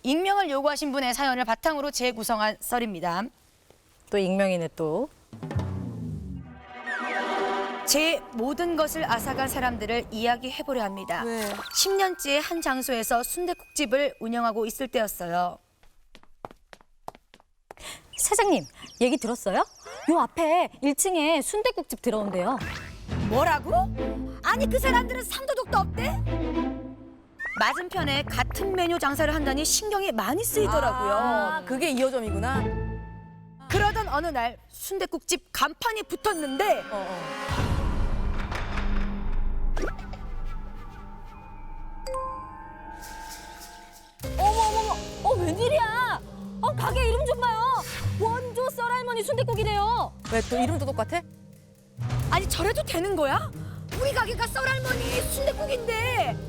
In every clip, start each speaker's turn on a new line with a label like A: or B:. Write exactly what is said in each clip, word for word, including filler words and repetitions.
A: 익명을 요구하신 분의 사연을 바탕으로 재구성한 썰입니다.
B: 또 익명이네 또.
A: 제 모든 것을 앗아간 사람들을 이야기해보려 합니다.
C: 왜?
A: 십 년째 한 장소에서 순댓국집을 운영하고 있을 때였어요.
B: 사장님, 얘기 들었어요? 요 앞에 일 층에 순댓국집 들어온대요.
A: 뭐라고? 아니 그 사람들은 상도덕도 없대? 맞은편에 같은 메뉴 장사를 한다니 신경이 많이 쓰이더라고요.
C: 아, 그게 이 호점이구나.
A: 그러던 어느 날 순댓국집 간판이 붙었는데
C: 어, 어.
B: 어머 어머 어머, 어 웬일이야? 어 가게 이름 좀 봐요. 원조 썰할머니 순댓국이래요.
C: 왜 또 이름도 똑같아?
A: 아니 저래도 되는 거야? 우리 가게가 썰할머니 순댓국인데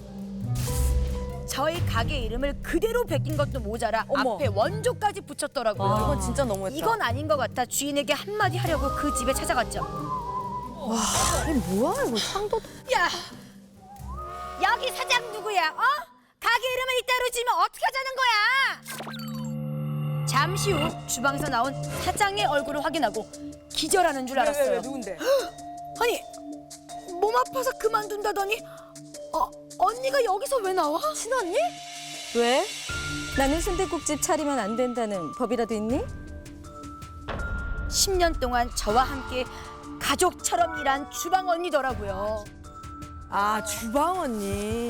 A: 저희 가게 이름을 그대로 베낀 것도 모자라
C: 어머.
A: 앞에 원조까지 붙였더라고요.
C: 아, 이건 진짜 너무했다.
A: 이건 아닌 것 같아 주인에게 한마디 하려고 그 집에 찾아갔죠.
C: 이게 뭐야 이거 상도.
A: 야, 여기 사장 누구야? 어? 가게 이름을 이따로 지면 어떻게 하자는 거야? 잠시 후 주방에서 나온 사장의 얼굴을 확인하고 기절하는 줄 알았어요.
C: 왜, 왜, 왜, 누군데?
A: 아니, 몸 아파서 그만둔다더니 어, 언니가 여기서 왜 나와?
C: 친언니?
B: 왜? 나는 순댓국집 차리면 안 된다는 법이라도 있니?
A: 십 년 동안 저와 함께 가족처럼 일한 주방 언니더라고요.
C: 아 주방 언니.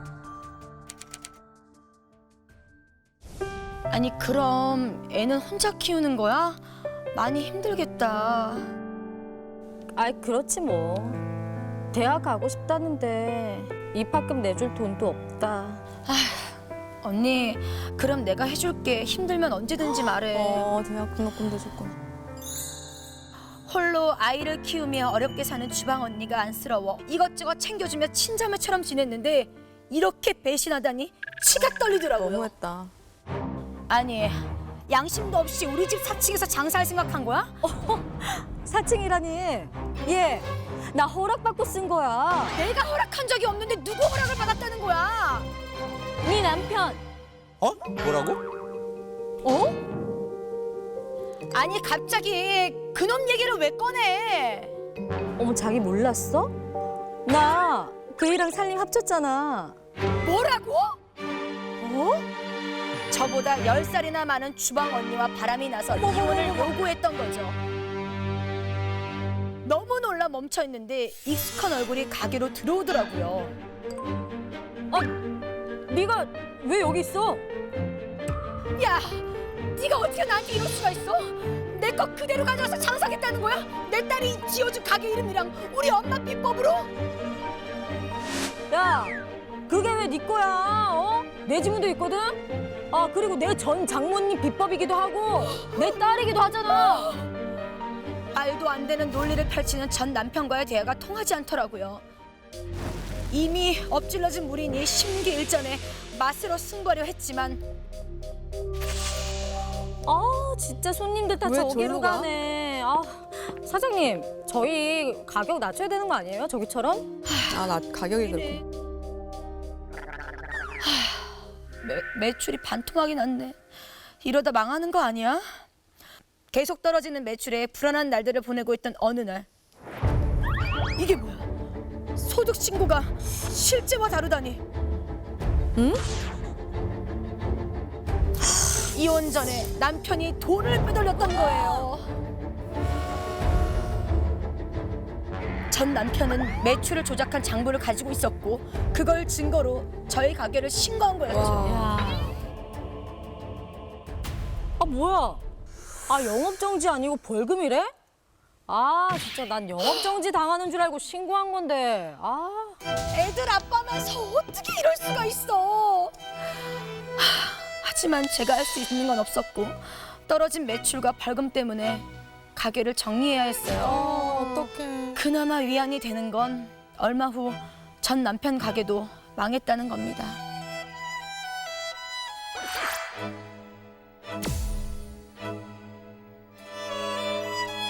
A: 아니 그럼 애는 혼자 키우는 거야? 많이 힘들겠다.
B: 아이 그렇지 뭐. 대학 가고 싶다는데 입학금 내줄 돈도 없다.
A: 언니, 그럼 내가 해줄게. 힘들면 언제든지 말해.
C: 어 대학 등록금도 줬고.
A: 홀로 아이를 키우며 어렵게 사는 주방 언니가 안쓰러워 이것저것 챙겨주며 친자매처럼 지냈는데 이렇게 배신하다니 치가 떨리더라고요.
C: 너무했다.
A: 아니, 양심도 없이 우리 집 사 층에서 장사할 생각한 거야?
B: 사칭이라니. 얘, 나 허락받고 쓴 거야.
A: 내가 허락한 적이 없는데 누구 허락을 받았다는 거야?
B: 네 남편.
D: 어? 뭐라고?
B: 어?
A: 아니 갑자기 그놈 얘기를 왜 꺼내?
B: 어머 자기 몰랐어? 나 그이랑 살림 합쳤잖아.
A: 뭐라고? 어? 저보다 열 살이나 많은 주방 언니와 바람이 나서 이혼을 요구했던 거죠. 너무 놀라 멈춰 있는데 익숙한 얼굴이 가게로 들어오더라고요.
B: 네가 왜 여기 있어?
A: 야, 네가 어떻게 나한테 이럴 수가 있어? 내 거 그대로 가져와서 장사하겠다는 거야? 내 딸이 지어준 가게 이름이랑 우리 엄마 비법으로?
B: 야, 그게 왜 네 거야? 어? 내 지문도 있거든? 아, 그리고 내 전 장모님 비법이기도 하고 내 딸이기도 하잖아.
A: 말도 안 되는 논리를 펼치는 전 남편과의 대화가 통하지 않더라고요. 이미 엎질러진 물이니 심기일전에 맛으로 승부하려 했지만
B: 아, 진짜 손님들 다
C: 왜
B: 저기로
C: 절로 가?
B: 가네. 아, 사장님, 저희 가격 낮춰야 되는 거 아니에요? 저기처럼?
C: 아 나 가격이 그렇고.
A: 매, 매출이 반토막이 났네. 이러다 망하는 거 아니야? 계속 떨어지는 매출에 불안한 날들을 보내고 있던 어느 날 이게 뭐야? 소득 신고가 실제와 다르다니.
C: 응?
A: 이혼 전에 남편이 돈을 빼돌렸던 거예요. 전 남편은 매출을 조작한 장부를 가지고 있었고 그걸 증거로 저희 가게를 신고한 거였죠.
C: 와.
B: 야. 아, 뭐야? 아, 영업정지 아니고 벌금이래? 아, 진짜 난 영업정지 당하는 줄 알고 신고한 건데. 아.
A: 애들 아빠면서 어떻게 이럴 수가 있어. 하, 하지만 제가 할 수 있는 건 없었고 떨어진 매출과 벌금 때문에 가게를 정리해야 했어요.
C: 어 어떡해.
A: 그나마 위안이 되는 건 얼마 후 전 남편 가게도 망했다는 겁니다.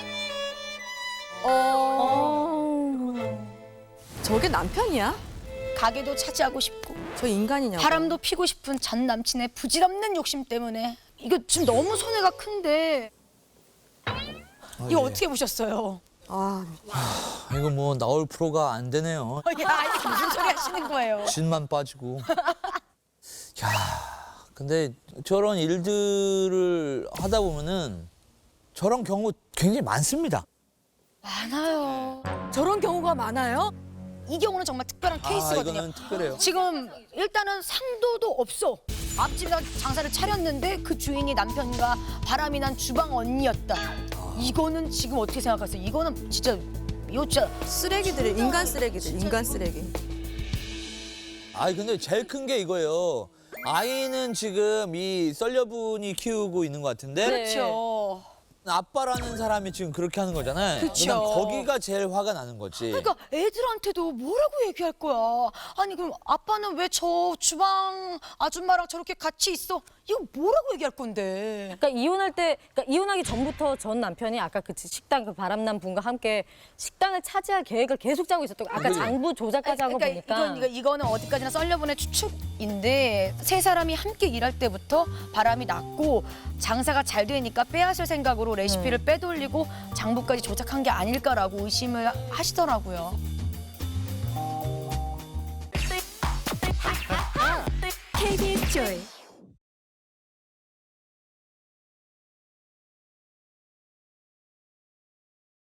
C: 어. 저게 남편이야?
A: 가게도 차지하고 싶고
C: 저 인간이냐고.
A: 바람도 피고 싶은 전 남친의 부질없는 욕심 때문에 이거 지금 너무 손해가 큰데 이거 어떻게 보셨어요?
C: 아,
D: 아, 이거 뭐 나올 프로가 안 되네요.
A: 야, 아니 무슨 소리 하시는 거예요?
D: 진만 빠지고. 야, 근데 저런 일들을 하다 보면은 저런 경우 굉장히 많습니다.
A: 많아요.
B: 저런 경우가 많아요?
A: 이 경우는 정말 특별한
D: 아,
A: 케이스거든요.
D: 이거는 특별해요.
A: 지금 일단은 상도도 없어. 앞집에서 장사를 차렸는데 그 주인이 남편과 바람이 난 주방 언니였다. 이거는 지금 어떻게 생각하세요? 이거는 진짜 이거 진짜
C: 쓰레기들, 인간 쓰레기들, 인간 쓰레기.
D: 아, 근데 제일 큰 게 이거예요. 아이는 지금 이 썰녀분이 키우고 있는 것 같은데
A: 그렇죠.
D: 아빠라는 사람이 지금 그렇게 하는 거잖아요.
A: 그쵸.
D: 그냥 거기가 제일 화가 나는 거지.
A: 그러니까 애들한테도 뭐라고 얘기할 거야? 아니 그럼 아빠는 왜 저 주방 아줌마랑 저렇게 같이 있어? 이거 뭐라고 얘기할 건데?
B: 그러니까 이혼할 때, 그러니까 이혼하기 전부터 전 남편이 아까 그 식당 그 바람난 분과 함께 식당을 차지할 계획을 계속 짜고 있었던 거. 아까
D: 그래요.
B: 장부 조작까지 한 거
A: 그러니까
B: 보니까.
A: 이건, 이거, 이거는 어디까지나 썰려분의 추측인데 세 사람이 함께 일할 때부터 바람이 났고 장사가 잘 되니까 빼앗을 생각으로 레시피를 빼돌리고 장부까지 조작한 게 아닐까라고 의심을 하시더라고요.
E: 케이비에스 조이